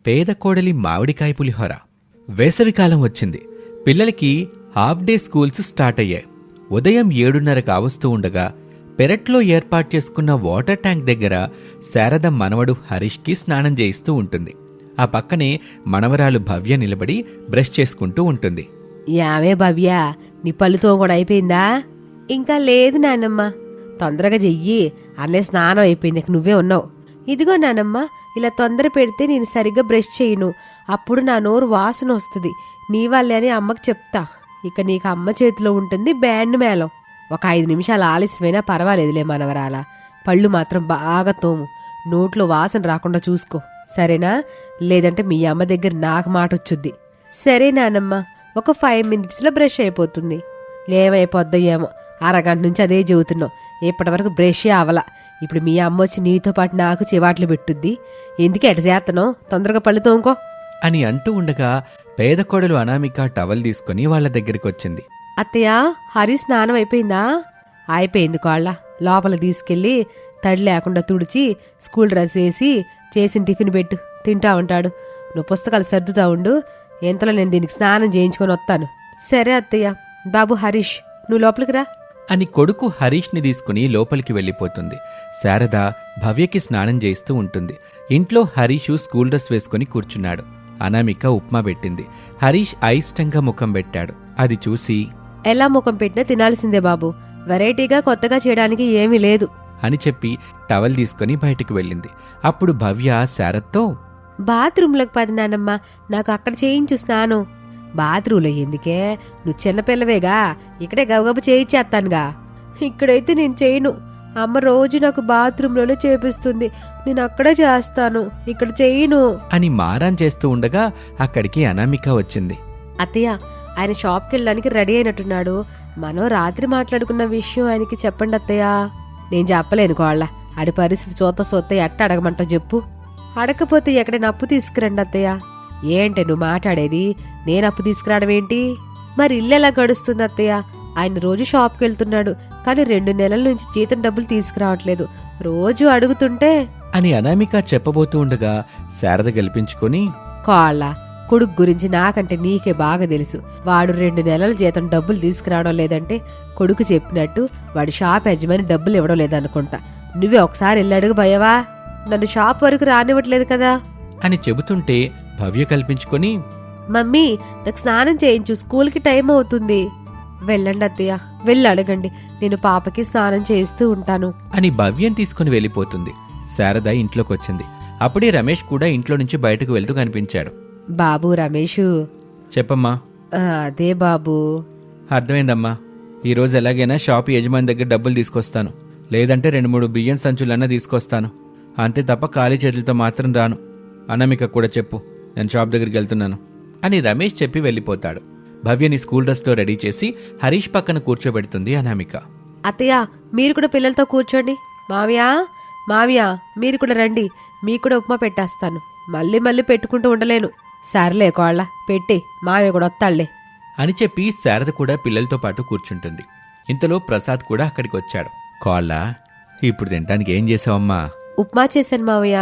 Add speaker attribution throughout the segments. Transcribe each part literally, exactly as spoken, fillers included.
Speaker 1: పేద కోడలి మామిడికాయ పులిహోర. వేసవికాలం వచ్చింది. పిల్లలకి హాఫ్ డే స్కూల్స్ స్టార్ట్ అయ్యాయి. ఉదయం ఏడున్నర కావస్తూ ఉండగా పెరట్లో ఏర్పాటు చేసుకున్న వాటర్ ట్యాంక్ దగ్గర శారద మనవడు హరీష్కి స్నానం చేయిస్తూ ఉంటుంది. ఆ పక్కనే మనవరాలు భవ్య నిలబడి బ్రష్ చేసుకుంటూ ఉంటుంది.
Speaker 2: యావే భవ్య, నీ పళ్ళుతో కూడా అయిపోయిందా? ఇంకా లేదు నానమ్మ. తొందరగా చెయ్యి, అన్నే స్నానం అయిపోయింది, నువ్వే ఉన్నావు. ఇదిగో నానమ్మ, ఇలా తొందర పెడితే నేను సరిగ్గా బ్రష్ చేయను, అప్పుడు నా నోరు వాసన వస్తుంది. నీ వల్లే అని అమ్మకు చెప్తా. ఇక నీకు అమ్మ చేతిలో ఉంటుంది బ్యాండ్ మేళం. ఒక ఐదు నిమిషాలు ఆలస్యమైనా పర్వాలేదులే మనవరాల. పళ్ళు మాత్రం బాగా తోము, నోట్లో వాసన రాకుండా చూసుకో, సరేనా? లేదంటే మీ అమ్మ దగ్గర నాకు మాట వచ్చుద్ది. సరే నానమ్మ, ఒక ఫైవ్ మినిట్స్లో బ్రష్ అయిపోతుంది. ఏమైపోద్దో ఏమో, అరగంట నుంచి అదే చెబుతున్నావు, ఇప్పటి వరకు బ్రష్ అవలా. ఇప్పుడు మీ అమ్మ వచ్చి నీతో పాటు నాకు చివాట్లు పెట్టుద్ది. ఎందుకు ఎట చేతనో, తొందరగా పళ్ళు తోముకో
Speaker 1: అని అంటూ ఉండగా పేద కోడలు అనామిక టవల్ తీసుకుని వాళ్ళ దగ్గరికి వచ్చింది.
Speaker 2: అత్తయ్య, హరి స్నానం అయిపోయిందా? అయిపోయింది కోళ్ళ. లోపల తీసుకెళ్లి తడి లేకుండా తుడిచి స్కూల్ డ్రెస్ వేసి చేసిన టిఫిన్ పెట్టు, తింటా ఉంటాడు. నువ్వు పుస్తకాలు సర్దుతా ఉండు, ఎంతలో నేను దీనికి స్నానం చేయించుకొని వస్తాను. సరే అత్తయ్య. బాబు హరీష్, నువ్వు లోపలికి రా
Speaker 1: అని కొడుకు హరీష్ని తీసుకుని లోపలికి వెళ్ళిపోతుంది. శారద భవ్యకి స్నానం చేయిస్తూ ఉంటుంది. ఇంట్లో హరీషు స్కూల్ డ్రెస్ వేసుకుని కూర్చున్నాడు. అనామిక ఉప్మా పెట్టింది. హరీష్ అయిష్టంగా ముఖం పెట్టాడు. అది చూసి,
Speaker 2: ఎలా ముఖం పెట్టినా తినాల్సిందే బాబు, వెరైటీగా కొత్తగా చేయడానికి ఏమీ లేదు
Speaker 1: అని చెప్పి టవల్ తీసుకుని బయటికి వెళ్ళింది. అప్పుడు భవ్య శారద్తో,
Speaker 2: బాత్రూంలోకి పది నానమ్మ, నాకు అక్కడ చేయించు స్నానం. బాత్రూంలో ఎందుకే, నువ్వు చిన్నపిల్లవేగా, ఇక్కడే గబగబ చేయించేస్తానుగా. ఇక్కడైతే నేను చేయను, అమ్మ రోజు నాకు బాత్రూంలోనే చేపిస్తుంది, నేను అక్కడే చేస్తాను, ఇక్కడ చేయను
Speaker 1: అని మారాన్ చేస్తూ ఉండగా అక్కడికి అనామిక వచ్చింది.
Speaker 2: అత్తయ్య, ఆయన షాప్కి వెళ్ళడానికి రెడీ అయినట్టున్నాడు. మనం రాత్రి మాట్లాడుకున్న విషయం ఆయనకి చెప్పండి అత్తయ్య. నేను చెప్పలేను కోళ్ళ, ఆడి పరిస్థితి చూత సొత్త ఎట్ట అడగమంటావు చెప్పు. అడగకపోతే ఎక్కడైనా అప్పు తీసుకురండి అత్తయ్య. ఏంటి నువ్వు మాట్లాడేది? నేను అప్పు తీసుకురావడం ఏంటి? మరి ఇల్లు ఎలా గడుస్తుంది అత్తయ్య? ఆయన రోజు షాప్కి వెళ్తున్నాడు, కానీ రెండు నెలల నుంచి జీతం డబ్బులు తీసుకురావట్లేదు, రోజు అడుగుతుంటే
Speaker 1: అని అనామిక చెప్పబోతూ ఉండగా శారద గెలిపించుకొని,
Speaker 2: కోళ్ళ, కొడుకు గురించి నాకంటే నీకే బాగా తెలుసు. వాడు రెండు నెలల జీతం డబ్బులు తీసుకురావడం లేదంటే కొడుకు చెప్పినట్టు వాడు షాప్ యజమాని డబ్బులు ఇవ్వడం లేదనుకుంటా. నువ్వే ఒకసారి వెళ్ళి అడుగు భయవా, నన్ను షాప్ వరకు రానివ్వట్లేదు కదా
Speaker 1: అని చెబుతుంటే భవ్య కల్పించుకొని,
Speaker 2: మమ్మీ నాకు స్నానం చేయించు, స్కూల్కి టైం అవుతుంది. వెళ్ళండి అత్తయ్య, వెళ్ళి అడగండి, నేను పాపకి స్నానం చేయిస్తూ ఉంటాను
Speaker 1: అని భవ్యం తీసుకుని వెళ్ళిపోతుంది. శారద ఇంట్లోకొచ్చింది. అప్పుడే రమేష్ కూడా ఇంట్లో నుంచి బయటకు వెళ్తూ కనిపించాడు.
Speaker 2: బాబు రమేషు.
Speaker 1: చెప్పమ్మా.
Speaker 2: అదే బాబు.
Speaker 1: అర్థమైందమ్మా. ఈరోజు ఎలాగైనా షాప్ యజమాని దగ్గర డబ్బులు తీసుకొస్తాను, లేదంటే రెండు మూడు బియ్యం సంచులన్నా తీసుకొస్తాను, అంతే తప్ప ఖాళీ చేతులతో మాత్రం రాను. అనామిక కూడా చెప్పు, నేను షాప్ దగ్గరికి వెళ్తున్నాను అని రమేష్ చెప్పి వెళ్ళిపోతాడు. భవ్యని స్కూల్ డ్రెస్లో రెడీ చేసి హరీష్ పక్కన కూర్చోబెడుతుంది అనామిక.
Speaker 2: అత్తయ్య, మీరు కూడా పిల్లలతో కూర్చోండి. మావయ్య, మావయ్య మీరు కూడా రండి, మీకు కూడా ఉప్మా పెట్టేస్తాను. మళ్ళీ మళ్ళీ పెట్టుకుంటూ ఉండలేను. సర్లే కోళ్ళ, పెట్టి మావయ్య కూడా వస్తాళ్లే
Speaker 1: అని చెప్పి శారద కూడా పిల్లలతో పాటు కూర్చుంటుంది. ఇంతలో ప్రసాద్ కూడా అక్కడికి వచ్చాడు. కోళ్ళ, ఇప్పుడు తినడానికి ఏం చేసావమ్మా?
Speaker 2: ఉప్మా చేశాను మావయ్య.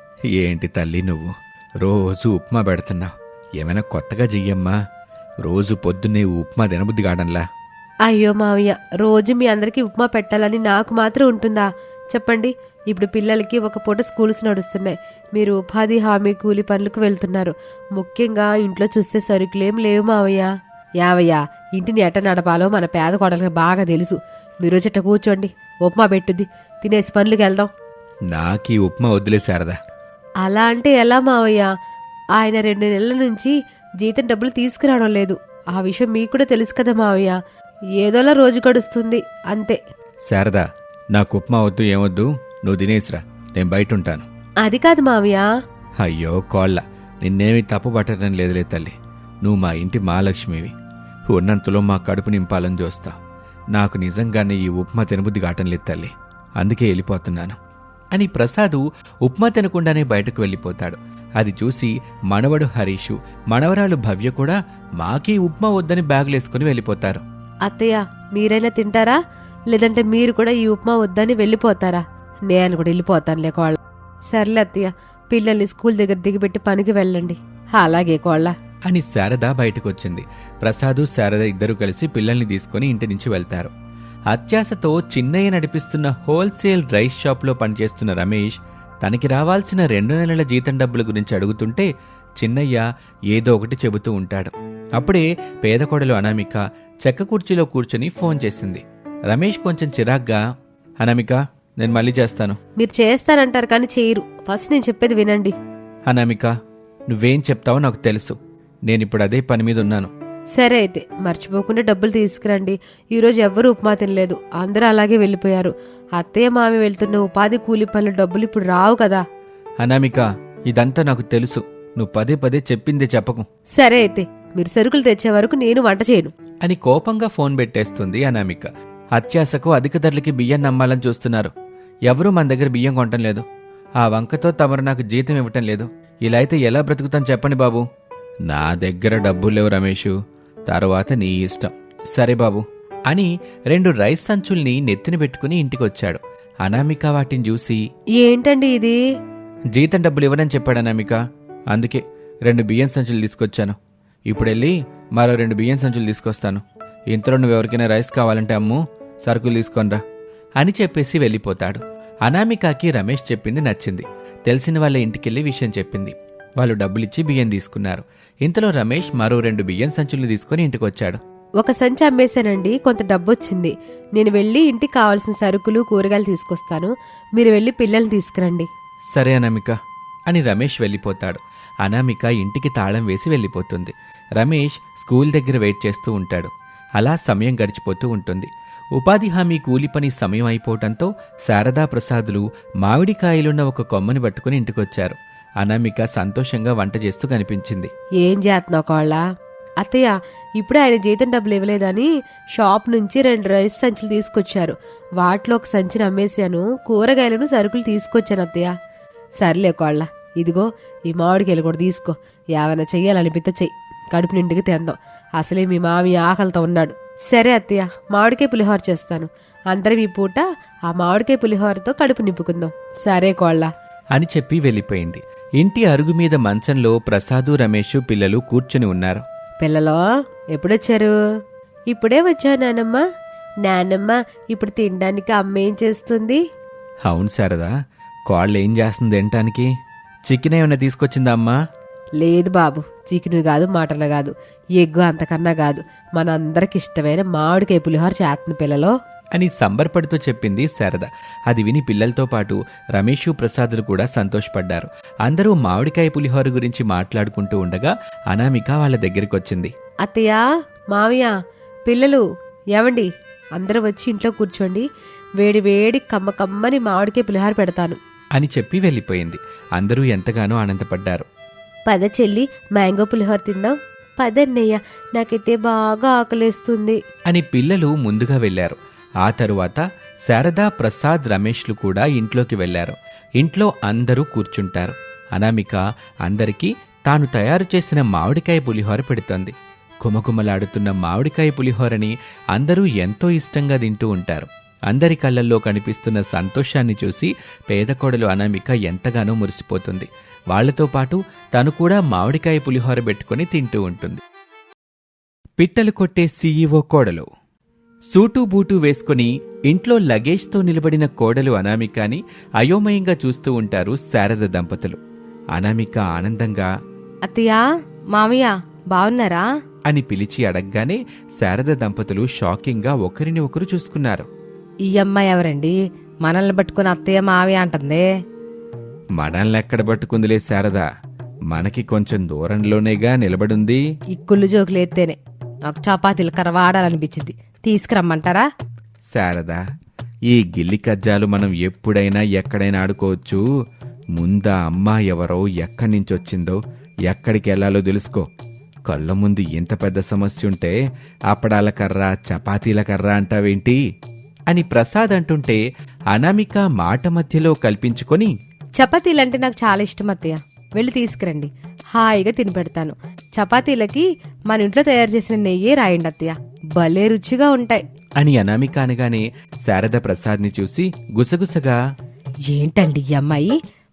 Speaker 1: ఏంటి తల్లి నువ్వు రోజు ఉప్మా పెడుతున్నావు, ఏమైనా కొత్తగా చెయ్యమ్మా. రోజు పొద్దున్నే ఉప్మా తినబుద్ధి కావడంలా.
Speaker 2: అయ్యో మావయ్య, రోజు మీ అందరికీ ఉప్మా పెట్టాలని నాకు మాత్రం ఉంటుందా చెప్పండి. ఇప్పుడు పిల్లలకి ఒక పూట స్కూల్స్ నడుస్తున్నాయి, మీరు ఉపాధి హామీ కూలి పనులకు వెళ్తున్నారు. ముఖ్యంగా ఇంట్లో చూస్తే సరుకులేం లేవు మావయ్య. యావయ్య, ఇంటిని ఎట్ట నడపాలో మన పేద కోడలకి బాగా తెలుసు. మీరు చెట్ట కూర్చోండి, ఉప్మా పెట్టుద్ది, తినేసి పనులకు వెళ్దాం.
Speaker 1: నాకీ ఉప్మా వద్దులే శారదా.
Speaker 2: అలా అంటే ఎలా మావయ్య? ఆయన రెండు నెలల నుంచి జీతం డబ్బులు తీసుకురావడం లేదు, ఆ విషయం మీకు కూడా తెలుసు కదా మావయ్య. ఏదోలా రోజు గడుస్తుంది అంతే.
Speaker 1: శారదా, నాకు ఉప్మా వద్దు, ఏమొద్దు, నువ్వు తినేసిరా, నేను బయట ఉంటాను.
Speaker 2: అది కాదు మావయ్య.
Speaker 1: అయ్యో కోళ్ళ, నిన్నేమి తప్పు పట్టడం లేదులే తల్లి. నువ్వు మా ఇంటి మహాలక్ష్మివి, ఉన్నంతలో మా కడుపు నింపాలని చూస్తా. నాకు నిజంగానే ఈ ఉప్మా తినబుద్ధి కావటం లేదు తల్లి, అందుకే వెళ్ళిపోతున్నాను అని ప్రసాదు ఉప్మా తినకుండానే బయటకు వెళ్ళిపోతాడు. అది చూసి మనవడు హరీషు, మనవరాలు భవ్య కూడా మాకీ ఉప్మా వద్దని బ్యాగులేసుకుని వెళ్ళిపోతారు.
Speaker 2: అత్తయ్య, మీరైనా తింటారా, లేదంటే మీరు కూడా ఈ ఉప్మా వద్దని వెళ్ళిపోతారా? నేను కూడా వెళ్ళిపోతానులే కోళ్ళ. సర్లే అత్తయ్య, పిల్లల్ని స్కూల్ దగ్గర దిగిపెట్టి పనికి వెళ్ళండి. అలాగే కోళ్ళ.
Speaker 1: అని శారద బయటకొచ్చింది. ప్రసాదు శారద ఇద్దరూ కలిసి పిల్లల్ని తీసుకుని ఇంటి నుంచి వెళ్తారు. అత్యాశతో చిన్నయ్య నడిపిస్తున్న హోల్సేల్ రైస్ షాప్లో పనిచేస్తున్న రమేష్ తనకి రావాల్సిన రెండు నెలల జీతం డబ్బుల గురించి అడుగుతుంటే చిన్నయ్య ఏదో ఒకటి చెబుతూ ఉంటాడు. అప్పుడే పేద కోడలు అనామిక చెక్క కుర్చీలో కూర్చుని ఫోన్ చేసింది. రమేష్ కొంచెం చిరాగ్గా, అనామిక నేను మళ్ళీ చేస్తాను.
Speaker 2: మీరు చేస్తానంటారు కానీ చేయరు. ఫస్ట్ నేను చెప్పేది వినండి.
Speaker 1: అనామిక నువ్వేం చెప్తావో నాకు తెలుసు. నేనిప్పుడు అదే పని మీద ఉన్నాను.
Speaker 2: సరే అయితే మర్చిపోకుండా డబ్బులు తీసుకురండి. ఈరోజు ఎవ్వరూ ఉప్మా తినలేదు, అందరూ అలాగే వెళ్ళిపోయారు. అత్తయ్య మామి వెళ్తున్న ఉపాధి కూలి పనుల డబ్బులు ఇప్పుడు రావు కదా.
Speaker 1: అనామిక ఇదంతా నాకు తెలుసు, నువ్వు పదే పదే చెప్పిందే చెప్పకు.
Speaker 2: సరే అయితే మీరు సరుకులు తెచ్చే వరకు నేను వంట చేయను
Speaker 1: అని కోపంగా ఫోన్ పెట్టేస్తుంది అనామిక. అత్యాశకు అధిక ధరలకి బియ్యం నమ్మాలని చూస్తున్నారు. ఎవరూ మన దగ్గర బియ్యం కొనటం లేదు. ఆ వంకతో తమరు నాకు జీతం ఇవ్వటం లేదు. ఇలా అయితే ఎలా బ్రతుకుతాను చెప్పండి బాబు. నా దగ్గర డబ్బులు లేవు రమేషు, తరువాత నీ ఇష్టం. సరే బాబు అని రెండు రైస్ సంచుల్ని నెత్తిన పెట్టుకుని ఇంటికొచ్చాడు. అనామిక వాటిని చూసి,
Speaker 2: ఏంటండి ఇది?
Speaker 1: జీతం డబ్బులు ఇవ్వనని చెప్పాడు అనామిక, అందుకే రెండు బియ్యం సంచులు తీసుకొచ్చాను. ఇప్పుడెళ్ళి మరో రెండు బియ్యం సంచులు తీసుకొస్తాను. ఇంతలో నువ్వు ఎవరికైనా రైస్ కావాలంటే అమ్ము, సరుకులు తీసుకొనిరా అని చెప్పేసి వెళ్ళిపోతాడు. అనామికకి రమేష్ చెప్పింది నచ్చింది. తెలిసిన వాళ్ళ ఇంటికెళ్ళి విషయం చెప్పింది. వాళ్ళు డబ్బులిచ్చి బియ్యం తీసుకున్నారు. ఇంతలో రమేష్ మరో రెండు బియ్యం సంచులు తీసుకుని ఇంటికొచ్చాడు.
Speaker 2: ఒక సంచి అమ్మేశానండి, కొంత డబ్బు వచ్చింది. నేను వెళ్ళి ఇంటికి కావాల్సిన సరుకులు కూరగాయలు తీసుకొస్తాను, మీరు వెళ్ళి పిల్లల్ని తీసుకురండి.
Speaker 1: సరే అనామిక అని రమేష్ వెళ్ళిపోతాడు. అనామిక ఇంటికి తాళం వేసి వెళ్ళిపోతుంది. రమేష్ స్కూల్ దగ్గర వెయిట్ చేస్తూ ఉంటాడు. అలా సమయం గడిచిపోతూ ఉంటుంది. ఉపాధి హామీ కూలి పని సమయం అయిపోవటంతో శారదా ప్రసాదులు మామిడికాయలున్న ఒక కొమ్మని పట్టుకుని ఇంటికొచ్చారు. అనామిక సంతోషంగా వంట చేస్తూ కనిపించింది.
Speaker 2: ఏం చేస్తున్నావు కోళ్ళ? అత్తయ్య ఇప్పుడే ఆయన జీతం డబ్బులు ఇవ్వలేదని షాప్ నుంచి రెండు రైస్ సంచులు తీసుకొచ్చారు. వాటిలో ఒక సంచిని అమ్మేశాను, కూరగాయలను సరుకులు తీసుకొచ్చాను అత్తయ్య. సర్లే కోళ్ళ, ఇదిగో ఈ మామిడికాయలు కూడా తీసుకో. ఏమైనా చెయ్యాలనిపిస్తే చెయ్యి, కడుపు నిండుకి తిందాం. అసలే మీ మామి ఆకలితో ఉన్నాడు. సరే అత్తయ్య, మామిడికాయ పులిహోర చేస్తాను. అందరం ఈ పూట ఆ మామిడికాయ పులిహోరతో కడుపు నింపుకుందాం. సరే కోళ్ళ
Speaker 1: అని చెప్పి వెళ్ళిపోయింది. ఇంటి అరుగు మీద మంచంలో ప్రసాదు రమేష్ పిల్లలు కూర్చుని ఉన్నారు.
Speaker 2: పిల్లలో ఎప్పుడొచ్చారు? ఇప్పుడే వచ్చా నానమ్మ. నానమ్మ ఇప్పుడు తినడానికి అమ్మ ఏం చేస్తుంది?
Speaker 1: అవును శారదా, కోళ్ళు ఏం చేస్తుంది తినటానికి? చికెన్ ఏమైనా తీసుకొచ్చిందా అమ్మా?
Speaker 2: లేదు బాబు, చికెన్ కాదు, మటన్ కాదు, ఎగ్గు అంతకన్నా కాదు, మనందరికి ఇష్టమైన మామిడికాయ పులిహోర చేస్తుంది పిల్లలో
Speaker 1: అని సంబరపడుతూ చెప్పింది శారద. అది విని పిల్లలతో పాటు రమేషు ప్రసాదులు కూడా సంతోషపడ్డారు. అందరూ మామిడికాయ పులిహోర గురించి మాట్లాడుకుంటూ ఉండగా అనామిక వాళ్ళ దగ్గరికొచ్చింది.
Speaker 2: అత్తయ్య, మావయ్య, పిల్లలు ఏమండి, అందరూ వచ్చి ఇంట్లో కూర్చోండి. వేడి వేడి కమ్మ కమ్మని మామిడికాయ పులిహోర పెడతాను
Speaker 1: అని చెప్పి వెళ్ళిపోయింది. అందరూ ఎంతగానో ఆనందపడ్డారు.
Speaker 2: పద చెల్లి, మ్యాంగో పులిహోర తిందాం. పదన్నయ్య, నాకైతే బాగా ఆకలేస్తుంది
Speaker 1: అని పిల్లలు ముందుగా వెళ్లారు. ఆ తరువాత శారదా, ప్రసాద్, రమేష్లు కూడా ఇంట్లోకి వెళ్లారు. ఇంట్లో అందరూ కూర్చుంటారు. అనామిక అందరికీ తాను తయారు చేసిన మామిడికాయ పులిహోర పెడుతోంది. కుమకుమలాడుతున్న మామిడికాయ పులిహోరని అందరూ ఎంతో ఇష్టంగా తింటూ ఉంటారు. అందరి కళ్ళల్లో కనిపిస్తున్న సంతోషాన్ని చూసి పేద కోడలు అనామిక ఎంతగానో మురిసిపోతుంది. వాళ్లతో పాటు తను కూడా మామిడికాయ పులిహోర పెట్టుకుని తింటూ ఉంటుంది. పిట్టలు కొట్టే సీఈఓ కోడలు. సూటు బూటు వేసుకుని ఇంట్లో లగేజ్తో నిలబడిన కోడలు అనామికని అయోమయంగా చూస్తూ ఉంటారు శారద దంపతులు. అనామిక ఆనందంగా,
Speaker 2: అత్తయ్య, మామయ్య బావున్నారా
Speaker 1: అని పిలిచి అడగగానే శారద దంపతులు షాకింగ్గా ఒకరిని ఒకరు చూసుకున్నారు.
Speaker 2: ఈ అమ్మాయి ఎవరండి? మనల్ని పట్టుకుని అత్తయ్య మావయ్య అంటుంది.
Speaker 1: మనల్నెక్కడ పట్టుకుందిలే శారద, మనకి కొంచెం దూరంలోనేగా నిలబడుంది.
Speaker 2: ఈ కుళ్ళు జోకులు ఎత్తేనే నాకు చపాతీలు కరవాడాలనిపించింది. తీసుకురమ్మంటారా?
Speaker 1: శారదా, ఈ గిల్లి కజ్జాలు మనం ఎప్పుడైనా ఎక్కడైనా ఆడుకోవచ్చు. ముందా అమ్మా ఎవరో, ఎక్కడి నుంచొచ్చిందో, ఎక్కడికి వెళ్లాలో తెలుసుకో. కళ్ళ ముందు ఇంత పెద్ద సమస్య ఉంటే అప్పడాల కర్ర, చపాతీల కర్ర అంటావేంటి అని ప్రసాద్ అంటుంటే అనామిక మాట మధ్యలో కల్పించుకొని,
Speaker 2: చపాతీలంటే నాకు చాలా ఇష్టం అత్తయ్య, వెళ్ళి తీసుకురండి, హాయిగా తిని పెడతాను. చపాతీలకి మన ఇంట్లో తయారు చేసిన నెయ్యే రాయండి అత్తయ్య, భలే రుచిగా ఉంటాయి
Speaker 1: అని అనామిక అనగానే శారద ప్రసాద్ని చూసి గుసగుసగా,
Speaker 2: ఏంటండి ఈ అమ్మాయి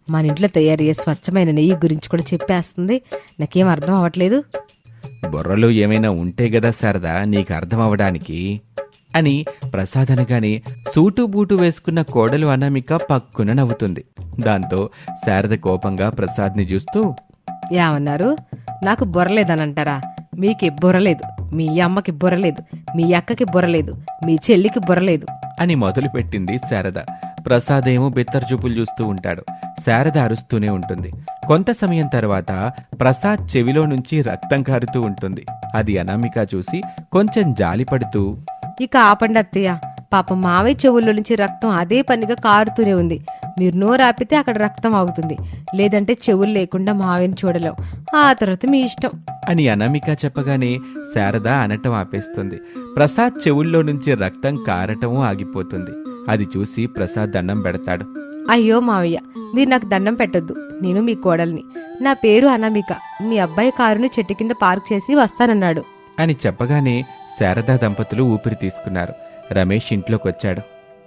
Speaker 2: మన ఇంట్లో తయారయ్యే స్వచ్ఛమైన నెయ్యి గురించి కూడా చెప్పేస్తుంది. నాకేం అర్థం అవ్వట్లేదు.
Speaker 1: బుర్రలో ఏమైనా ఉంటే గదా శారదా నీకు అర్థం అవడానికి అని ప్రసాద్ అనగానే సూటు బూటు వేసుకున్న కోడలు అనామిక పక్కున నవ్వుతుంది. దాంతో శారద కోపంగా ప్రసాద్ని చూస్తూ,
Speaker 2: ఏమన్నారు? నాకు బుర్రలేదనంటారా? మీకు బుర్రలేదు, మీ అమ్మకి బుర్రలేదు, మీ అక్కకి బుర్రలేదు, మీ చెల్లికి బుర్రలేదు
Speaker 1: అని మొదలుపెట్టింది శారద. ప్రసాద్ ఏమో బెత్తర్ చూపులు చూస్తూ ఉంటాడు. శారద అరుస్తూనే ఉంటుంది. కొంత సమయం తర్వాత ప్రసాద్ చెవిలో నుంచి రక్తం కారుతూ ఉంటుంది. అది అనామిక చూసి కొంచెం జాలిపడుతూ,
Speaker 2: ఇక ఆపండి అత్తయ్య, పాప మావయ్య చెవుల్లో నుంచి రక్తం అదే పనిగా కారుతూనే ఉంది. మీరు నోరు ఆపితే అక్కడ రక్తం ఆగుతుంది, లేదంటే చెవులు లేకుండా మావయ్యని చూడలేం. ఆ తర్వాత మీ ఇష్టం
Speaker 1: అని అనామిక చెప్పగానే శారద అనటం ఆపేస్తుంది. ప్రసాద్ చెవుల్లో నుంచి రక్తం కారటం ఆగిపోతుంది. అది చూసి ప్రసాద్ దండం పెడతాడు.
Speaker 2: అయ్యో మావయ్య, మీరు నాకు దండం పెట్టొద్దు. నేను మీ కోడల్ని. నా పేరు అనామిక. మీ అబ్బాయి కారుని చెట్టు కింద పార్క్ చేసి వస్తానన్నాడు
Speaker 1: అని చెప్పగానే శారదా దంపతులు ఊపిరి తీసుకున్నారు. రమేష్ ఇంట్లోకొచ్చాడు.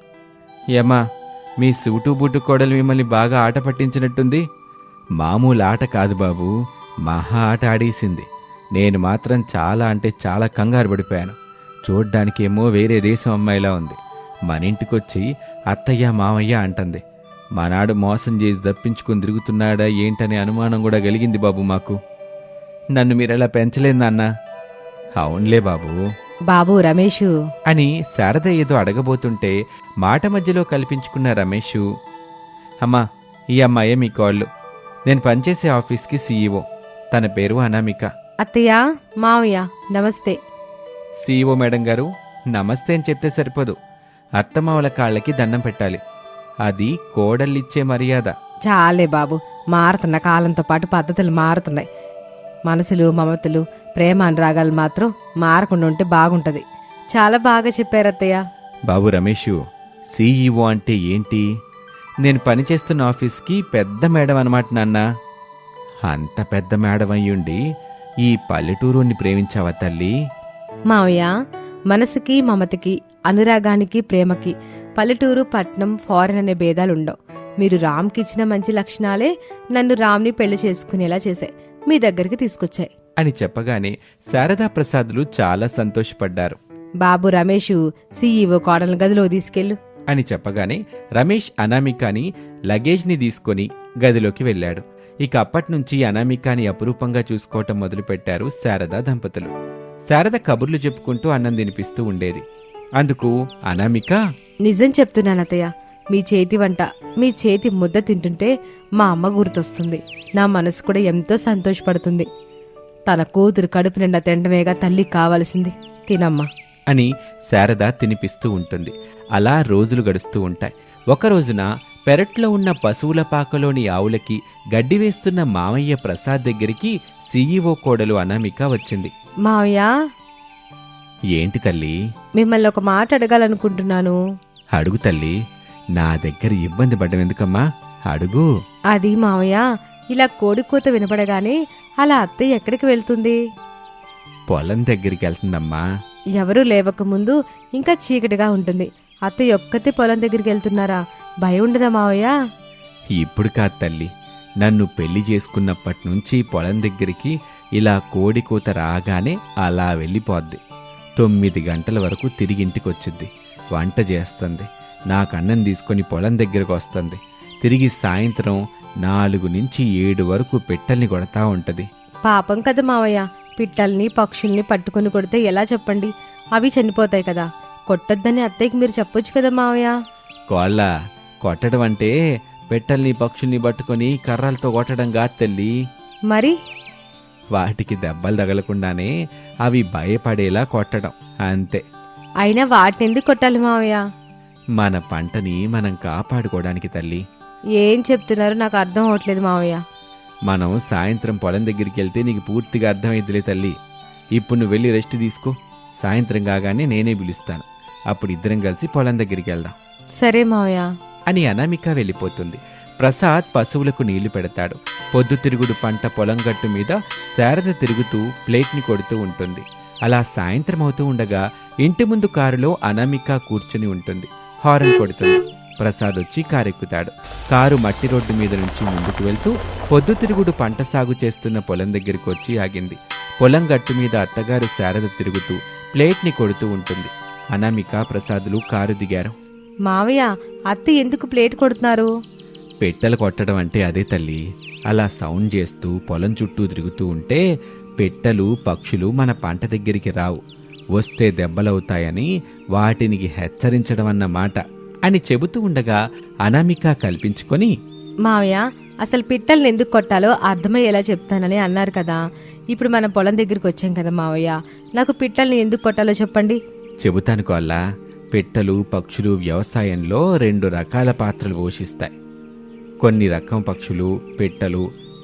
Speaker 1: ఏమ్మా, మీ సూటు బూటు కోడలు మిమ్మల్ని బాగా ఆట పట్టించినట్టుంది. మామూలు ఆట కాదు బాబు, మహా ఆట ఆడేసింది. నేను మాత్రం చాలా అంటే చాలా కంగారు పడిపోయాను. చూడ్డానికేమో వేరే దేశం అమ్మాయిలా ఉంది. మన ఇంటికొచ్చి అత్తయ్య మామయ్య అంటుంది. మనాడు మోసం చేసి దప్పించుకుని తిరుగుతున్నాడా ఏంటనే అనుమానం కూడా కలిగింది బాబు మాకు. నన్ను మీరెలా పెంచలేదు నాన్న. అవునులే బాబు
Speaker 2: బాబు రమేషు
Speaker 1: అని శారద ఏదో అడగబోతుంటే మాట మధ్యలో కల్పించుకున్న రమేషు, అమ్మా, ఈ అమ్మాయే మీ కోళ్ళు. నేను పనిచేసే ఆఫీస్కి సీఈఓ. తన పేరు అనామిక.
Speaker 2: అత్తయ్య, మావయ్య నమస్తే.
Speaker 1: సీఈఓ మేడం గారు నమస్తే అని చెప్తే సరిపోదు. అత్తమావల కాళ్ళకి దండం పెట్టాలి. అది కోడళ్ళిచ్చే మర్యాద.
Speaker 2: చాలే బాబు, మారుతున్న కాలంతో పాటు పద్ధతులు మారుతున్నాయి. మనసులు, మమతలు, ప్రేమ అనురాగాలు మాత్రం మారకుండా ఉంటే బాగుంటది. చాలా బాగా చెప్పారు అత్తయ్య.
Speaker 1: బాబు రమేషు, సీఈఓ అంటే ఏంటి? నేను పనిచేస్తున్న ఆఫీస్కి పెద్ద మేడం అనమాట నాన్న. అంత పెద్ద మేడం అయ్యుండి ఈ పల్లెటూరుని ప్రేమించావా తల్లి?
Speaker 2: మావయ్య, మనసుకి, మమతకి, అనురాగానికి, ప్రేమకి పల్లెటూరు, పట్నం, ఫారెన్ అనే భేదాలుండవు. మీరు రామ్కి ఇచ్చిన మంచి లక్షణాలే నన్ను రామ్ని పెళ్లి చేసుకునేలా చేశాయి, మీ దగ్గరికి తీసుకొచ్చాయి
Speaker 1: అని చెప్పగానే శారదా ప్రసాద్లు చాలా సంతోషపడ్డారు.
Speaker 2: బాబు రమేషు, సీఈఓ కోడల గదిలో తీసుకెళ్ళు
Speaker 1: అని చెప్పగానే రమేష్ అనామికాని లగేజ్ని తీసుకొని గదిలోకి వెళ్ళాడు. ఇక అప్పట్నుంచి అనామికాని అపురూపంగా చూసుకోవటం మొదలుపెట్టారు శారదా దంపతులు. శారద కబుర్లు చెప్పుకుంటూ అన్నం తినిపిస్తూ ఉండేది. అందుకు అనామిక,
Speaker 2: నిజం చెప్తున్నాను అత్తయ్య, మీ చేతి వంట, మీ చేతి ముద్ద తింటుంటే మా అమ్మ గుర్తొస్తుంది. నా మనసు కూడా ఎంతో సంతోషపడుతుంది. తన కూతురు కడుపు నిండా తినడమేగా తల్లి కావలసింది. తినమ్మా
Speaker 1: అని శారద తినిపిస్తూ ఉంటుంది. అలా రోజులు గడుస్తూ ఉంటాయి. ఒకరోజున పెరట్లో ఉన్న పశువుల పాకలోని ఆవులకి గడ్డి వేస్తున్న మామయ్య ప్రసాద్ దగ్గరికి సీఈఓ కోడలు అనామిక వచ్చింది.
Speaker 2: మావయ్య,
Speaker 1: ఏంటి తల్లి?
Speaker 2: మిమ్మల్ని ఒక మాట అడగాలనుకుంటున్నాను.
Speaker 1: అడుగు తల్లి, నా దగ్గర ఇబ్బంది పడ్డం ఎందుకమ్మా, అడుగు.
Speaker 2: అది మావయ్య, ఇలా కోడి కూత వినపడగానే అలా అత్తయ్య ఎక్కడికి వెళ్తుంది?
Speaker 1: పొలం దగ్గరికి వెళ్తుందమ్మా.
Speaker 2: ఎవరూ లేవకముందు ఇంకా చీకటిగా ఉంటుంది. అత్తయ్య ఒక్కతే పొలం దగ్గరికి వెళ్తున్నారా? భయం ఉండదా మావయ్య?
Speaker 1: ఇప్పుడు కాదు తల్లి, నన్ను పెళ్లి చేసుకున్నప్పటి నుంచి పొలం దగ్గరికి ఇలా కోడి కూత రాగానే అలా వెళ్ళిపోద్ది. తొమ్మిది గంటల వరకు తిరిగి ఇంటికొచ్చుద్ది. వంట చేస్తుంది, నాకు అన్నం తీసుకొని పొలం దగ్గరకు వస్తుంది. తిరిగి సాయంత్రం నాలుగు నుంచి ఏడు వరకు పిట్టల్ని కొడతా ఉంటది.
Speaker 2: పాపం కదా మావయ్య, పిట్టల్ని పక్షుల్ని పట్టుకుని కొడితే ఎలా చెప్పండి? అవి చనిపోతాయి కదా. కొట్టొద్దని అత్తయ్యకి మీరు చెప్పొచ్చు కదా మావయ్య.
Speaker 1: కోళ్ళ కొట్టడం అంటే పిట్టల్ని పక్షుల్ని పట్టుకొని కర్రలతో కొట్టడం కాదు తల్లి.
Speaker 2: మరి
Speaker 1: వాటికి దెబ్బలు తగలకుండానే అవి భయపడేలా కొట్టడం అంతే.
Speaker 2: అయినా వాటిని ఎందుకు కొట్టాలి మావయ్య?
Speaker 1: మన పంటని మనం కాపాడుకోవడానికి తల్లి.
Speaker 2: ఏం చెప్తున్నారు నాకు అర్థం అవట్లేదు మావయ్య.
Speaker 1: మనం సాయంత్రం పొలం దగ్గరికి వెళ్తే నీకు పూర్తిగా అర్థమైద్దిలే తల్లి. ఇప్పుడు నువ్వు వెళ్ళి రెస్ట్ తీసుకో. సాయంత్రం కాగానే నేనే పిలుస్తాను. అప్పుడు ఇద్దరం కలిసి పొలం దగ్గరికి వెళ్దాం.
Speaker 2: సరే మావయ్య
Speaker 1: అని అనామిక వెళ్ళిపోతుంది. ప్రసాద్ పశువులకు నీళ్లు పెడతాడు. పొద్దుతిరుగుడు పంట పొలం గట్టు మీద శారద తిరుగుతూ ప్లేట్ని కొడుతూ ఉంటుంది. అలా సాయంత్రం అవుతూ ఉండగా ఇంటి ముందు కారులో అనామిక కూర్చుని ఉంటుంది. హారన్ కొడుతుంది. ప్రసాద్ వచ్చి కారెక్కుతాడు. కారు మట్టి రోడ్డు మీద నుంచి ముందుకు వెళ్తూ పొద్దుతిరుగుడు పంట సాగు చేస్తున్న పొలం దగ్గరికి వచ్చి ఆగింది. పొలం గట్టు మీద అత్తగారు శారద తిరుగుతూ ప్లేట్ని కొడుతూ ఉంటుంది. అనామిక, ప్రసాదులు కారు దిగారు.
Speaker 2: మావయ్య, అత్త ఎందుకు ప్లేట్ కొడుతున్నారు?
Speaker 1: పెట్టెలు కొట్టడం అంటే అదే తల్లి. అలా సౌండ్ చేస్తూ పొలం చుట్టూ తిరుగుతూ ఉంటే పెట్టెలు, పక్షులు మన పంట దగ్గరికి రావు, వస్తే దెబ్బలవుతాయని వాటిని హెచ్చరించడం అన్నమాట అని చెబుతూ ఉండగా అనామిక కల్పించుకొని,
Speaker 2: మావయ్య, అసలు పిట్టల్ని ఎందుకు కొట్టాలో అర్థమయ్యేలా చెప్తానని అన్నారు కదా. ఇప్పుడు మన పొలం దగ్గరికి వచ్చాం కదా మావయ్య, నాకు పిట్టల్ని ఎందుకు కొట్టాలో చెప్పండి.
Speaker 1: చెబుతాను కోల్లా. పిట్టలు, పక్షులు వ్యవసాయంలో రెండు రకాల పాత్రలు పోషిస్తాయి. కొన్ని రకం పక్షులు, పిట్టలు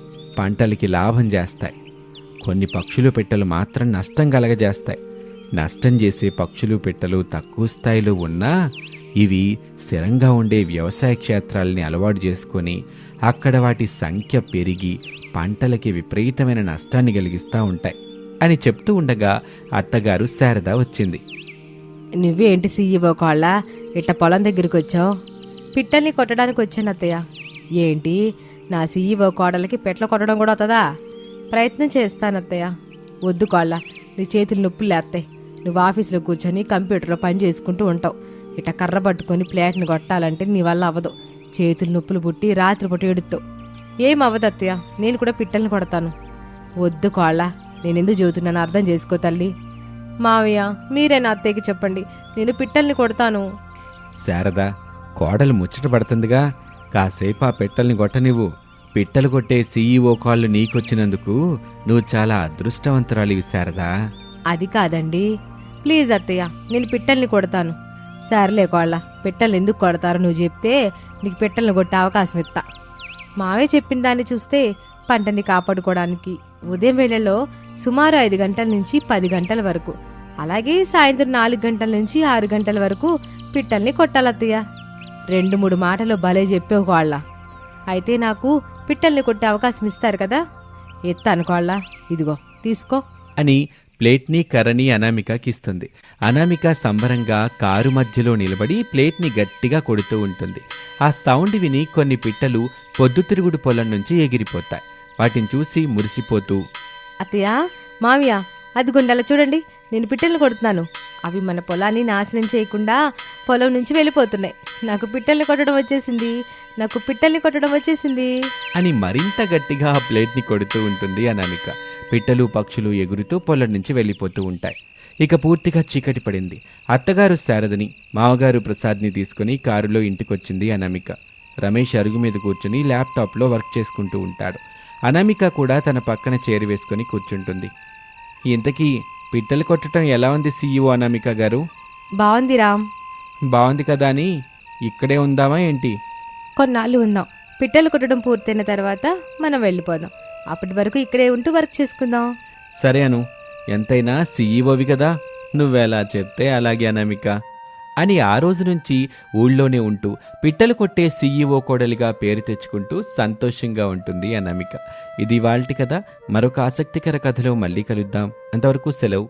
Speaker 1: పంటలకి లాభం చేస్తాయి. కొన్ని పక్షులు, పిట్టలు మాత్రం నష్టం కలగజేస్తాయి. నష్టం చేసే పక్షులు, పిట్టలు తక్కువ స్థాయిలో ఉన్నా ఇవి స్థిరంగా ఉండే వ్యవసాయ క్షేత్రాలని అలవాటు చేసుకొని అక్కడ వాటి సంఖ్య పెరిగి పంటలకి విపరీతమైన నష్టాన్ని కలిగిస్తూ ఉంటాయి అని చెప్తూ ఉండగా అత్తగారు శారద వచ్చింది.
Speaker 2: నువ్వేంటి సీఈఓ కోళ్ళ ఇట్ట పొలం దగ్గరికి వచ్చావు? పిట్టల్ని కొట్టడానికి వచ్చాను అత్తయ్య. ఏంటి, నా సీఈఓ కోడలకి పెట్ల కొట్టడం కూడా అవుతుందా? ప్రయత్నం చేస్తాను అత్తయ్య. వద్దు కోళ్ళ, నీ చేతులు నొప్పులు లేస్తాయి. నువ్వు ఆఫీసులో కూర్చొని కంప్యూటర్లో పని చేసుకుంటూ ఉంటావు. ఇట్ట కర్ర పట్టుకొని ప్లేట్ని కొట్టాలంటే నీ వల్ల అవ్వదు. చేతులు నొప్పులు పుట్టి రాత్రిపూట ఎడుతావు. ఏం అవ్వదు అత్తయ్య, నేను కూడా పిట్టల్ని కొడతాను. వద్దు కోళ్ళ, నేనెందుకు చెబుతున్నాను అర్థం చేసుకో తల్లి. మావయ్య, మీరే నా అత్తయ్యకి చెప్పండి, నేను పిట్టల్ని కొడతాను.
Speaker 1: శారద, కోడలు ముచ్చట పడుతుందిగా, కాసేపు ఆ పిట్టల్ని కొట్టనివ్వు. పిట్టలు కొట్టే సీఈఓ కాళ్ళు నీకొచ్చినందుకు నువ్వు చాలా అదృష్టవంతురాలివి శారదా.
Speaker 2: అది కాదండి, ప్లీజ్ అత్తయ్య, నేను పిట్టల్ని కొడతాను. సర్లే కోళ్ళ, పిట్టల్ని ఎందుకు కొడతారో నువ్వు చెప్తే నీకు పిట్టల్ని కొట్టే అవకాశం ఇస్తా. మావే చెప్పిన దాన్ని చూస్తే పంటని కాపాడుకోవడానికి ఉదయం వేళల్లో సుమారు ఐదు గంటల నుంచి పది గంటల వరకు, అలాగే సాయంత్రం నాలుగు గంటల నుంచి ఆరు గంటల వరకు పిట్టల్ని కొట్టాలత్తయ్య. రెండు మూడు మాటలు భలే చెప్పేవు కోళ్ళ. అయితే నాకు పిట్టల్ని కొట్టే అవకాశం ఇస్తారు కదా? ఎత్తాను కోళ్ళ, ఇదిగో తీసుకో
Speaker 1: అని ప్లేట్ని, కర్రని అనామికకిస్తుంది. అనామిక సంబరంగా కారు మధ్యలో నిలబడి ప్లేట్ని గట్టిగా కొడుతూ ఉంటుంది. ఆ సౌండ్ విని కొన్ని పిట్టలు పొద్దుతిరుగుడు పొలం నుంచి ఎగిరిపోతాయి. వాటిని చూసి మురిసిపోతూ,
Speaker 2: అత్తయ్య, మావయ్య, అదిగొండలా చూడండి, నేను పిట్టల్ని కొడుతున్నాను. అవి మన పొలాన్ని నాశనం చేయకుండా పొలం నుంచి వెళ్ళిపోతున్నాయి. నాకు పిట్టల్ని కొట్టడం వచ్చేసింది, నాకు పిట్టల్ని కొట్టడం వచ్చేసింది
Speaker 1: అని మరింత గట్టిగా ఆ ప్లేట్ని కొడుతూ ఉంటుంది అనామిక. పిట్టలు, పక్షులు ఎగురుతూ పొలం నుంచి వెళ్ళిపోతూ ఉంటాయి. ఇక పూర్తిగా చీకటి పడింది. అత్తగారు శారదని, మామగారు ప్రసాద్ని తీసుకుని కారులో ఇంటికొచ్చింది అనామిక. రమేష్ అరుగు మీద కూర్చుని ల్యాప్టాప్లో వర్క్ చేసుకుంటూ ఉంటాడు. అనామిక కూడా తన పక్కన చేరి వేసుకొని కూర్చుంటుంది. ఇంతకీ పిట్టలు కొట్టడం ఎలా ఉంది సీఈఓ అనామిక గారు?
Speaker 2: బాగుంది రామ్.
Speaker 1: బాగుంది కదా అని ఇక్కడే ఉందామా ఏంటి?
Speaker 2: కొన్నాళ్ళు ఉందాం, పిట్టలు కొట్టడం పూర్తయిన తర్వాత మనం వెళ్ళిపోదాం. అప్పటి వరకు ఇక్కడే ఉంటూ వర్క్ చేసుకుందాం.
Speaker 1: సరే అను, ఎంతైనా సీఈఓవి కదా, నువ్వెలా చెప్తే అలాగే అనామిక అని ఆ రోజు నుంచి ఊళ్ళోనే ఉంటూ పిట్టలు కొట్టే సీఈఓ కోడలిగా పేరు తెచ్చుకుంటూ సంతోషంగా ఉంటుంది అనామిక. ఇది ఇవాల్టి కథ. మరొక ఆసక్తికర కథలో మళ్ళీ కలుద్దాం. అంతవరకు సెలవు.